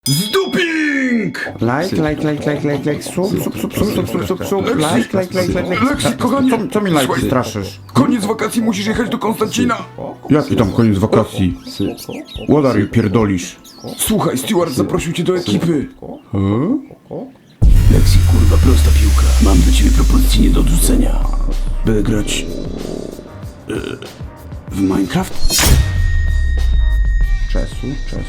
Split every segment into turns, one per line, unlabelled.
Zduping!
Like, sub, like.
Lexi, kochanie!
Co mi like
Słuchaj,
straszysz?
Koniec wakacji, musisz jechać do Konstancina!
Jaki tam koniec wakacji? Łodary pierdolisz.
Słuchaj, Stewart zaprosił cię do ekipy! Lexi, kurwa, prosta piłka. Mam do ciebie propozycję nie do odrzucenia. By grać... w Minecraft?
Czesu.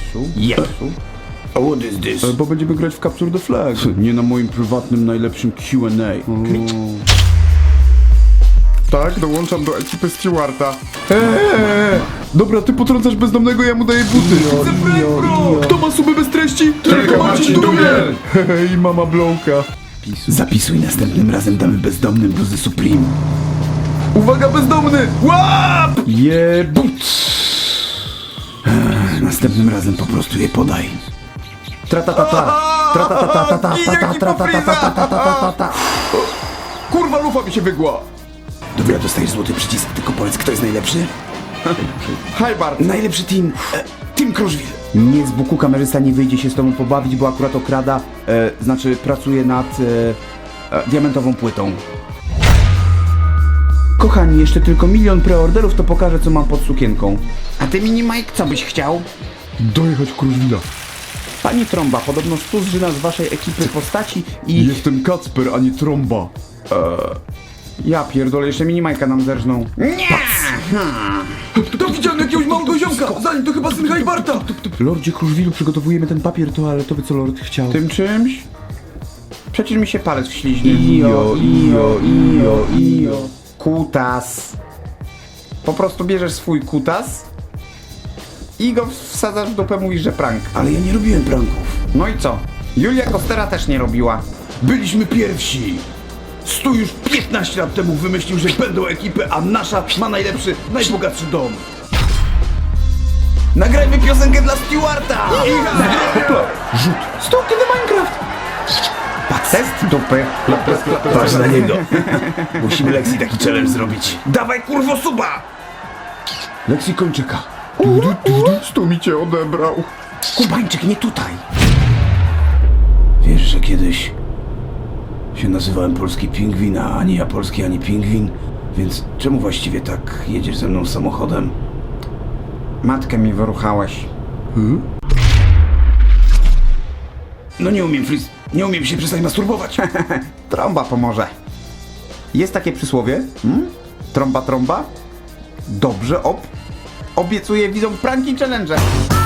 A what is this?
Bo będziemy grać w Capture the Flag. Nie na moim prywatnym, najlepszym Q&A. Tak, dołączam do ekipy Stewarta. Dobra, ty potrącasz bezdomnego, ja mu daję buty. Kto ma suby bez treści?
Tylko Marcin Dubiel!
I mama Blowka.
Zapisuj, następnym razem damy bezdomnym bluzy Supreme.
Uwaga, bezdomny! Łap! Jebut!
Następnym razem po prostu je podaj.
Kurwa, lufa mi się wygła.
Dobra, dostajesz złoty przycisk, tylko powiedz, kto jest najlepszy?
Hi Bart.
Najlepszy team... Team Kruszwil.
Nie, z buku kamerzysta nie wyjdzie się z tobą pobawić, bo akurat okrada, znaczy pracuje nad diamentową płytą. Kochani, jeszcze tylko 1 000 000 preorderów, to pokażę, co mam pod sukienką. A ty, Mini Mike, co byś chciał?
Dojechać Kruszwila.
Pani Trąba, podobno 100 zżyna z waszej ekipy postaci i...
Jestem Kacper, a nie Trąba.
Ja pierdolę, jeszcze Mini Majka nam zerżną.
To widziałem jakiegoś małego ziomka! Zanim to chyba syn Hajbarta!
Lordzie Kruszwilu, przygotowujemy ten papier toaletowy, co Lord chciał. Tym czymś? Przecież mi się palec wśliźnie. Ijo. Kutas. Po prostu bierzesz swój kutas i go wsadzasz w dupę, mówisz, że prank.
Ale ja nie robiłem pranków.
No i co? Julia Kostera też nie robiła.
Byliśmy pierwsi! Stu już 15 lat temu wymyślił, że będą ekipy, a nasza ma najlepszy, najbogatszy dom. Nagrajmy piosenkę dla Stewarta!
Stuki do Minecraft! Test dupy.
Patrz na niego. Musimy Lexi taki challenge zrobić. Dawaj, kurwo, suba!
Lexi kończyka. Stu mi cię odebrał.
Kubańczyk, nie tutaj.
Wiesz, że kiedyś się nazywałem Polski Pingwin, a ani ja Polski, ani Pingwin? Więc czemu właściwie tak jedziesz ze mną samochodem?
Matkę mi wyruchałeś.
No nie umiem się przestać masturbować.
Trąba pomoże. Jest takie przysłowie? Trąba. Dobrze, obiecuję widzom pranki challenge.